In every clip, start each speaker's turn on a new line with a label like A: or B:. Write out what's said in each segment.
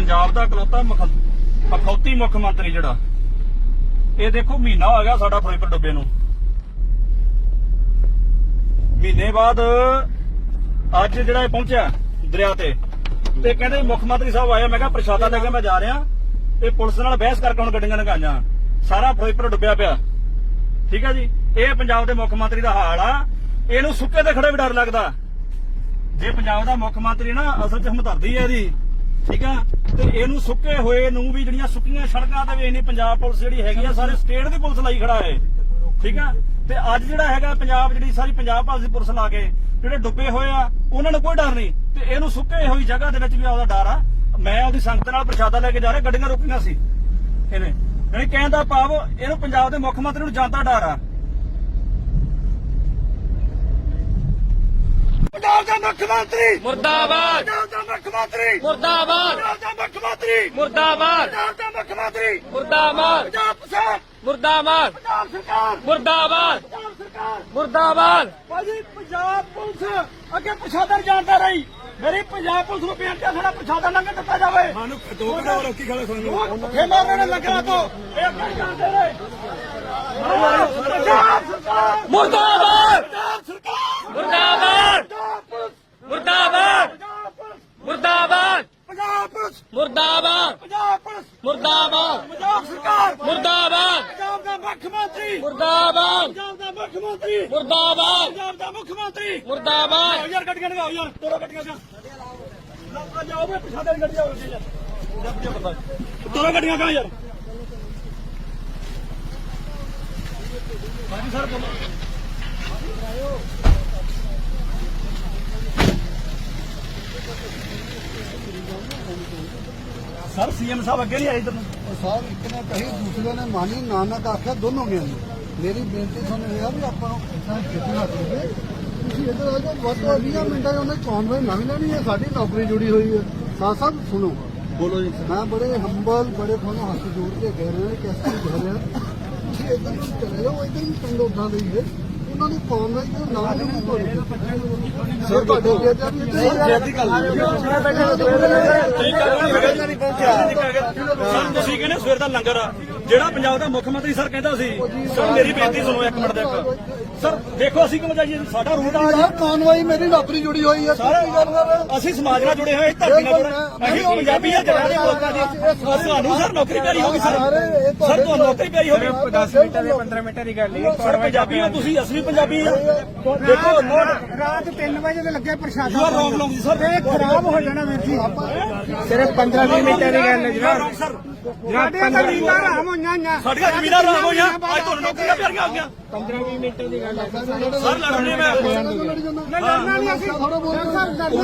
A: ਪੰਜਾਬ ਦਾ ਇਕਲੌਤਾ ਅਖੌਤੀ ਮੁੱਖ ਮੰਤਰੀ ਜਿਹੜਾ, ਇਹ ਦੇਖੋ ਮਹੀਨਾ ਹੋ ਗਿਆ ਸਾਡਾ ਫਿਰੋਜ਼ਪੁਰ ਡੁੱਬੇ ਨੂੰ। ਮਹੀਨੇ ਬਾਅਦ ਅੱਜ ਜਿਹੜਾ ਇਹ ਪਹੁੰਚਿਆ ਦਰਿਆ ਤੇ ਕਹਿੰਦੇ ਮੁੱਖ ਮੰਤਰੀ ਸਾਹਿਬ ਆਇਆ। ਮੈਂ ਕਿਹਾ ਪ੍ਰਸ਼ਾਦਾ ਲੈ ਕੇ ਮੈਂ ਜਾ ਰਿਹਾ। ਇਹ ਪੁਲਿਸ ਨਾਲ ਬਹਿਸ ਕਰਕੇ ਹੁਣ ਗੱਡੀਆਂ ਲਗਾਈਆਂ, ਸਾਰਾ ਫਿਰੋਜ਼ਪੁਰ ਡੁੱਬਿਆ ਪਿਆ। ਠੀਕ ਹੈ ਜੀ, ਇਹ ਪੰਜਾਬ ਦੇ ਮੁੱਖ ਮੰਤਰੀ ਦਾ ਹਾਲ ਆ। ਇਹਨੂੰ ਸੁੱਕੇ ਤੇ ਖੜੇ ਵੀ ਡਰ ਲੱਗਦਾ। ਜੇ ਪੰਜਾਬ ਦਾ ਮੁੱਖ ਮੰਤਰੀ ਨਾ ਅਸਲ 'ਚ ਹਮਦਰਦੀ ਹੈ ਇਹਦੀ, ਠੀਕ ਆ, ਤੇ ਇਹਨੂੰ ਸੁੱਕੇ ਹੋਏ ਨੂੰ ਵੀ ਜਿਹੜੀਆਂ ਸੁੱਕੀਆਂ ਸੜਕਾਂ ਤੇ ਵੀ ਇਹਨੀ ਪੰਜਾਬ ਪੁਲਿਸ ਜਿਹੜੀ ਹੈਗੀ ਆ, ਸਾਰੇ ਸਟੇਟ ਦੀ ਪੁਲਿਸ ਲਾਈ ਖੜਾ ਹੈ। ਠੀਕ ਆ, ਤੇ ਅੱਜ ਜਿਹੜਾ ਹੈਗਾ ਪੰਜਾਬ ਜਿਹੜੀ ਸਾਰੀ ਪੰਜਾਬ ਭਾਰਤ ਦੀ ਪੁਲਿਸ ਲਾ ਕੇ ਜਿਹੜੇ ਡੁੱਬੇ ਹੋਏ ਆ ਉਹਨਾਂ ਨੂੰ ਕੋਈ ਡਰ ਨਹੀਂ, ਤੇ ਇਹਨੂੰ ਸੁੱਕੇ ਹੋਈ ਜਗ੍ਹਾ ਦੇ ਵਿੱਚ ਵੀ ਆਪਦਾ ਡਰ ਆ। ਮੈਂ ਉਹਦੀ ਸੰਗਤ ਨਾਲ ਪ੍ਰਸ਼ਾਦਾ ਲੈ ਕੇ ਜਾ ਰਿਹਾ, ਗੱਡੀਆਂ ਰੋਕੀਆਂ ਸੀ ਇਹਨੇ। ਯਾਨੀ ਕਹਿਣ ਦਾ ਭਾਵ ਇਹਨੂੰ ਪੰਜਾਬ ਦੇ ਮੁੱਖ ਮੰਤਰੀ ਨੂੰ ਜਾਂਦਾ ਡਰ ਆ। ਪੰਜਾਬ ਦਾ ਮੁੱਖ ਮੰਤਰੀ
B: ਮੁਰਦਾਬਾਦ,
A: ਪੰਜਾਬ ਦਾ ਮੁੱਖ ਮੰਤਰੀ
B: ਮੁਰਦਾਬਾਦ,
A: ਪੰਜਾਬ ਦਾ ਮੁੱਖ ਮੰਤਰੀ
B: ਮੁਰਦਾਬਾਦ,
A: ਪੰਜਾਬ ਦਾ ਮੁੱਖ ਮੰਤਰੀ
B: ਮੁਰਦਾਬਾਦ,
A: ਪੰਜਾਬ ਪ੍ਰਸ਼ਾਸਨ,
B: ਮੁਰਦਾਬਾਦ,
A: ਪੰਜਾਬ ਸਰਕਾਰ,
B: ਮੁਰਦਾਬਾਦ,
A: ਪੰਜਾਬ ਸਰਕਾਰ,
B: ਮੁਰਦਾਬਾਦ।
A: ਭਾਜੀ ਪੰਜਾਬ ਪੁਲਿਸ ਅੱਗੇ ਪ੍ਰਸ਼ਾਦਾ ਜਾਂਦਾ ਰਹੀ। ਮੇਰੀ ਪੰਜਾਬ ਪੁਲਿਸ ਨੂੰ ਬੇਨਤੀ ਹੈ, ਸਾਡਾ ਪ੍ਰਸ਼ਾਦਾ ਲੰਘ ਦਿੱਤਾ ਜਾਵੇ। ਸਾਨੂੰ 2 ਘੰਟੇ ਰੋਕੀ ਖੜੇ ਸਾਨੂੰ ਭੁੱਖੇ ਮਾਰਨੇ ਨੇ ਲੱਗਣਾ ਤੋਂ ਇਹ ਅੱਗੇ ਜਾਂਦੇ ਰਹੇ। ਪੰਜਾਬ ਸਰਕਾਰ
B: ਮੁਰਦਾਬਾਦ,
A: ਪੰਜਾਬ ਸਰਕਾਰ
B: ਮੁਰਦਾਬਾਦ,
A: ਪੰਜਾਬ ਪੁਲਿਸ
B: ਮੁਰਦਾਬਾਦ,
A: ਪੰਜਾਬ ਪੁਲਿਸ
B: ਮੁਰਦਾਬਾਦ,
A: ਪੰਜਾਬ ਪੁਲਿਸ
B: ਮੁਰਦਾਬਾਦ,
A: ਪੰਜਾਬ ਪੁਲਿਸ
B: ਮੁਰਦਾਬਾਦ,
A: ਪੰਜਾਬ ਸਰਕਾਰ
B: ਮੁਰਦਾਬਾਦ,
A: ਪੰਜਾਬ ਦਾ ਮੁੱਖ ਮੰਤਰੀ
B: ਮੁਰਦਾਬਾਦ,
A: ਪੰਜਾਬ ਦਾ ਮੁੱਖ ਮੰਤਰੀ
B: ਮੁਰਦਾਬਾਦ,
A: ਪੰਜਾਬ ਦਾ ਮੁੱਖ ਮੰਤਰੀ
B: ਮੁਰਦਾਬਾਦ।
A: ਯਾਰ ਗੱਡੀਆਂ ਲਗਾਓ ਯਾਰ, ਤੋੜੋ ਗੱਡੀਆਂ ਜਾ ਲੋਕਾਂ ਜਾਓ ਵੇ ਪਿਛਾੜੇ ਗੱਡੀ ਜਾਓ ਯਾਰ, ਤੋੜੋ ਗੱਡੀਆਂ ਕਾ ਯਾਰ। ਹਾਂਜੀ ਸਰ ਬੋਲੋ। ਸਰ ਸੀਐਮ ਸਾਹਿਬ ਅੱਗੇ ਨਹੀਂ ਆਏ ਇਧਰ ਨੂੰ।
C: ਸਾਹਿਬ ਇੱਕ ਨੇ ਕਹੀ ਦੂਸਰੇ ਨੇ ਮਾਨੀ, ਨਾਨਕ ਆਖਿਆ, ਦੋਨੋਂ ਗਿਆ ਨੇ। ਮੇਰੀ ਬੇਨਤੀ ਤੁਹਾਨੂੰ ਇਹ ਆ ਵੀ ਆਪਾਂ ਨੂੰ ਇਦਾਂ ਖੇਤੀ ਹੱਥ ਦੇ ਤੁਸੀਂ ਇੱਧਰ ਆ ਜਾਓ, ਵੱਧ ਤੋਂ 20 ਮਿੰਟਾਂ 'ਚ ਉਹਨੇ ਕੌਨਵੇ ਲੰਘ ਲੈਣੀ ਹੈ। ਸਾਡੀ ਨੌਕਰੀ ਜੁੜੀ ਹੋਈ ਹੈ। ਸਾਹਿਬ ਸੁਣੋ,
A: ਬੋਲੋ ਜੀ।
C: ਮੈਂ ਬੜੇ ਹੰਬਲ, ਬੜੇ ਤੁਹਾਨੂੰ ਹੱਥ ਜੋੜ ਕੇ ਕਹਿ ਰਿਹਾ ਕਿ ਅਸੀਂ ਕਹਿ ਰਿਹਾ ਤੁਸੀਂ ਇੱਧਰ ਨੂੰ ਚਲੇ ਜਾਓ। ਇੱਧਰ ਵੀ ਪਿੰਡ ਉੱਦਾਂ ਦੇ ਹੀ ਹੈ, ਉਹਨਾਂ ਨੂੰ ਕੌਨਵੇ ਦੇ ਨਾਲ ਹੀ ਸਰ ਤੁਹਾਡੇ ਬੇਟਾ ਵੀ
A: ਤੁਸੀਂ ਕਹਿੰਦੇ ਸਵੇਰ ਦਾ ਲੰਗਰ ਆ ਜਿਹੜਾ ਪੰਜਾਬ ਦਾ ਮੁੱਖ ਮੰਤਰੀ ਸਰ ਕਹਿੰਦਾ ਸੀ। ਸਰ ਮੇਰੀ ਬੇਨਤੀ ਸੁਣੋ ਇੱਕ ਮਿੰਟ ਦੇ ਸਰ। ਦੇਖੋ ਅਸੀਂ ਕਿਉਂ ਜਾਈਏ, ਸਾਡਾ ਰੂਟ ਆ।
C: ਕੌਨਵਾਈ ਮੇਰੀ ਨੌਕਰੀ ਜੁੜੀ ਹੋਈ ਹੈ।
A: ਅਸੀਂ ਸਮਾਜ ਨਾਲ ਜੁੜੇ ਹੋਏ, ਧਰਤੀ ਨਾਲ ਜੁੜੇ। ਅਸੀਂ ਪੰਜਾਬੀ ਆ, ਜਗ੍ਹਾ ਦੇ ਲੋਕਾਂ ਦੀ। ਤੁਹਾਨੂੰ ਸਰ ਨੌਕਰੀ ਪਿਆਰੀ ਹੋਗੀ ਸਰ, ਸਰ ਤੁਹਾਨੂੰ ਨੌਕਰੀ ਪਿਆਰੀ ਹੋਗੀ।
B: 10 ਮਿੰਟਾਂ ਦੇ 15 ਮਿੰਟਾਂ ਦੀ ਗੱਲ ਨਹੀਂ।
A: ਸਰ ਪੰਜਾਬੀ ਹੋ ਤੁਸੀਂ, ਅਸੀਂ ਵੀ ਪੰਜਾਬੀ ਆ। ਦੇਖੋ
C: ਰਾਤ 3 ਵਜੇ ਦੇ ਲੱਗੇ ਪ੍ਰਸ਼ਾਸਨ।
A: You are wrong long sir,
C: ਇਹ ਖਰਾਬ ਹੋ ਜਾਣਾ ਵੀਰ ਜੀ।
B: ਸਿਰਫ 15-20 ਮਿੰਟਾਂ ਦੀ ਗੱਲ ਹੈ ਜਨਾਬ।
A: ਸਰ
C: ਸਾਡੀਆਂ ਜ਼ਮੀਨਾਂ ਹਰਾਮ ਹੋਈਆਂ।
A: ਸਾਡੀਆਂ ਜ਼ਮੀਨਾਂ ਰਾਮ ਹੋਈਆਂ, ਅੱਜ ਤੁਹਾਨੂੰ ਨੌਕਰੀਆਂ ਪਿਆਰੀਆਂ ਹੋ ਗਈਆਂ।
B: 15-20 ਮਿੰਟਾਂ ਦੀ ਗੱਲ ਹੈ।
A: ਸਰ ਲੜਨੇ ਮੈਂ
C: ਲੜਨਾ ਨਹੀਂ ਅਸੀਂ ਥੋੜਾ ਬੋਲਣਾ ਸਰ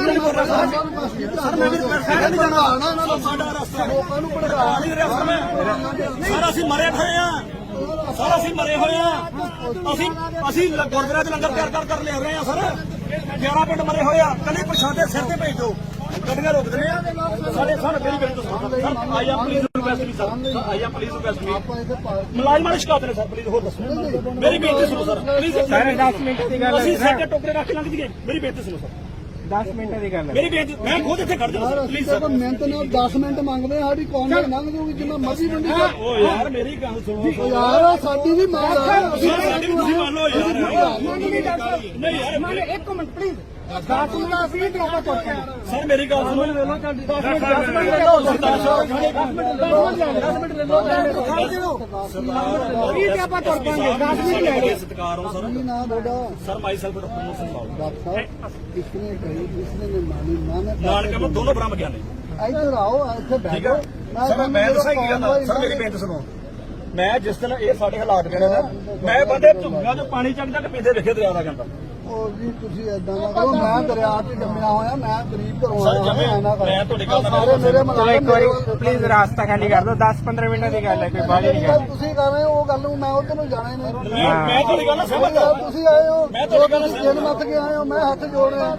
C: ਮੈਂ ਵੀ
A: ਸਾਡਾ ਰਸਤਾ
C: ਲੋਕਾਂ ਨੂੰ ਭੜਕਾ
A: ਨਹੀਂ ਰਿਹਾ ਸਰ ਅਸੀਂ ਮਰੇ ਹੋਏ ਆ। ਸਰ ਅਸੀਂ ਮਰੇ ਹੋਏ ਆ। ਅਸੀਂ ਗੁਰਦੁਆਰੇ ਚ ਲੰਗਰ ਤਿਆਰ ਕਰ ਲੈ ਰਹੇ ਆ ਸਰ। 11 ਪਿੰਡ ਮਰੇ ਹੋਏ ਆ। ਕੱਲੇ ਪ੍ਰਸ਼ਾਦੇ ਸਿਰ ਤੇ ਭੇਜ ਦਿਓ, ਗੱਡੀਆਂ ਰੋਕ ਦਿੰਦੇ ਆ ਸਾਡੇ। ਸਰ ਮੇਰੀ ਬੇਨਤੀ ਸੁਣੋ ਸਰ, ਆਈ ਆ ਪਲੀਜ਼ ਰਿਕੁਐਸਟ ਵੀ ਸਰ, ਆਈ ਆ ਪਲੀਜ਼ ਰਿਕੁਐਸਟ ਵੀ ਮੁਲਾਜ਼ਮਾਂ ਦੀ ਸ਼ਿਕਾਇਤ ਨੇ ਸਰ, ਪਲੀਜ਼ ਹੋਰ ਦੱਸੋ। ਮੇਰੀ ਬੇਨਤੀ ਸੁਣੋ ਸਰ ਪਲੀਜ਼।
B: 10 ਮਿੰਟਾਂ ਦੀ ਗੱਲ ਹੈ।
A: ਅਸੀਂ ਸਾਡੇ ਟੋਕਰੇ ਰੱਖ ਲੰਘ ਜੀਏ। ਮੇਰੀ ਬੇਨਤੀ ਸੁਣੋ ਸਰ,
B: 10 ਮਿੰਟਾਂ ਦੀ ਗੱਲ ਹੈ।
A: ਮੇਰੀ ਬੇਨਤੀ, ਮੈਂ ਖੁਦ ਇੱਥੇ ਖੜ ਜਾਣਾ ਪਲੀਜ਼ ਸਰ।
C: ਮਿਹਨਤ ਨਾਲ 10 ਮਿੰਟ ਮੰਗਦੇ ਸਾਡੀ ਕੌਮ ਨਾਲ ਲੰਘ ਜਾਊਗੀ ਜਿੰਨਾ ਮਰਜ਼ੀ ਮੰਡੀ ਚ।
A: ਓ ਯਾਰ ਮੇਰੀ ਗੱਲ ਸੁਣੋ
C: ਯਾਰ ਸਾਡੀ ਵੀ ਮੰਗ ਆ।
A: ਸਾਡੀ ਵੀ ਤੁਸੀਂ ਮੰਨ ਲਓ ਯਾਰ। ਨਹੀਂ ਯਾਰ
C: ਇੱਕ ਮਿੰਟ ਪਲੀਜ਼ 10 ਮਿੰਟ ਅਸੀਂ ਡਰਾਪਾ ਕਰਦੇ ਹਾਂ
A: ਸਰ ਮੇਰੀ ਗੱਲ ਸੁਣੋ।
C: 10 ਮਿੰਟ ਲੈ ਲਓ 10 ਮਿੰਟ ਲੈ ਲਓ ਕੀ ਤੇ ਆਪਾਂ ਕਰ ਪਾਂਗੇ 10 ਮਿੰਟ ਲੈ ਲਓ।
A: ਸਤਿਕਾਰ ਹੋ ਸਰ।
C: ਨਾ ਬੇਟਾ
A: sir myself doctor Mohan Lal
C: doctor ਸਾਹਿਬ ਕਿਸਨੇ ਕਹੀ ਕਿਸਨੇ ਨੇ ਮਾਨੀ
A: ਨਾਨਕ ਮੈਂ ਦੋਨੋਂ ਬ੍ਰਹਮ ਗਿਆਨੀ।
C: ਇੱਧਰ ਆਓ ਇੱਥੇ ਬੈਠੋ।
A: ਸਰ ਮੈਂ ਦੱਸਾਂ ਕੀ ਗੱਲ ਸਰ, ਮੇਰੀ ਬੇਨਤੀ ਸੁਣੋ। ਮੈਂ ਜਿਸ ਦਿਨ ਇਹ ਸਾਡੇ ਹਾਲਾਤ ਬਣੇ ਨਾ, ਮੈਂ ਬੰਦੇ ਝੁੱਗਾ ਜੋ ਪਾਣੀ ਚੱਕ ਚੱਕ ਪੀਂਦੇ ਵੇਖੇ ਦਰਿਆ ਦਾ ਜਾਂਦਾ।
C: ਉਹ ਜੀ ਤੁਸੀਂ ਏਦਾਂ ਨਾ ਕਰੋ। ਮੈਂ ਦਰਿਆ 'ਚ ਜੰਮਿਆ ਹੋਇਆ, ਮੈਂ ਗਰੀਬ ਘਰੋਂ
A: ਸਰ,
C: ਆਇਆ ਹੋਇਆ। ਨਾ
A: ਮੈਂ ਤੁਹਾਡੀ ਗੱਲ ਨਾਲ
C: ਸਾਰੇ ਮੇਰੇ
B: ਚਲੋ ਇੱਕ ਵਾਰੀ ਪਲੀਜ਼ ਰਾਸਤਾ ਖਾਲੀ ਕਰ ਦਿਓ। 10-15 ਮਿੰਟਾਂ ਦੀ ਗੱਲ ਹੈ, ਕੋਈ ਬਾਹਲੀ ਨਹੀਂ ਗੱਲ।
C: ਤੁਸੀਂ ਕਰ ਰਹੇ ਹੋ ਉਹ ਗੱਲ ਨੂੰ, ਮੈਂ ਉਧਰ ਨੂੰ ਜਾਣਾ ਹੀ ਨਹੀਂ।
A: ਮੈਂ ਤੁਹਾਡੀ ਗੱਲ ਨਾਲ ਸਹਿਮਤ ਹਾਂ।
C: ਤੁਸੀਂ ਆਏ ਹੋ,
A: ਮੈਂ ਤੁਹਾਡੀ ਗੱਲ ਨਾਲ
C: ਜਿੰਨ ਮੱਤ ਕੇ ਆਏ ਹੋ, ਮੈਂ ਹੱਥ ਜੋੜ ਰਿਹਾ।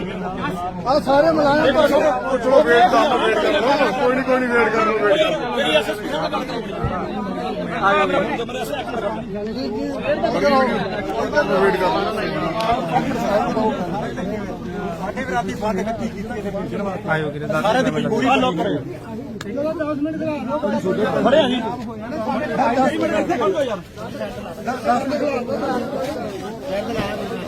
C: ਆ ਸਾਰੇ ਮੁਲਾਜ਼ਮ
D: ਚਲੋ ਵੇਟ ਕਰ ਲਓ, ਵੇਟ ਕਰ ਲਓ। ਕੋਈ ਨਹੀਂ ਵੇਟ ਕਰ ਲਓ, ਵੇਟ ਕਰ ਲਓ।
A: ਮੇਰੀ ਐਸਐਸਪੀ ਸਾਹਿਬ ਨਾਲ ਗੱਲ ਕਰੋ। ਆ ਗਿਆ ਮੇਰਾ ਫੋਨ ਮੇਰਾ ਇੱਕ ਮਿੰਟ
D: ਵੇਟ ਕਰ ਲਓ।
A: ਸਾਡੇ ਵੀ ਰਾਤੀ ਫਾਟੇ ਕੱਟੀ ਕੀਤੀ ਇਹਨੇ
B: ਆਇਓ ਕਿਤੇ 10
A: ਸਾਰਿਆਂ ਦੀ ਮਜਬੂਰੀ ਹੱਲ ਕਰੋ।
C: ਚਲੋ 10 ਮਿੰਟ ਖੜਾ ਦਿਓ
A: ਖੜੇ ਆ ਜੀ
C: 10 ਮਿੰਟ ਇੱਥੇ ਖੜੋ ਯਾਰ 10 ਮਿੰਟ ਖੜਾ ਦਿਓ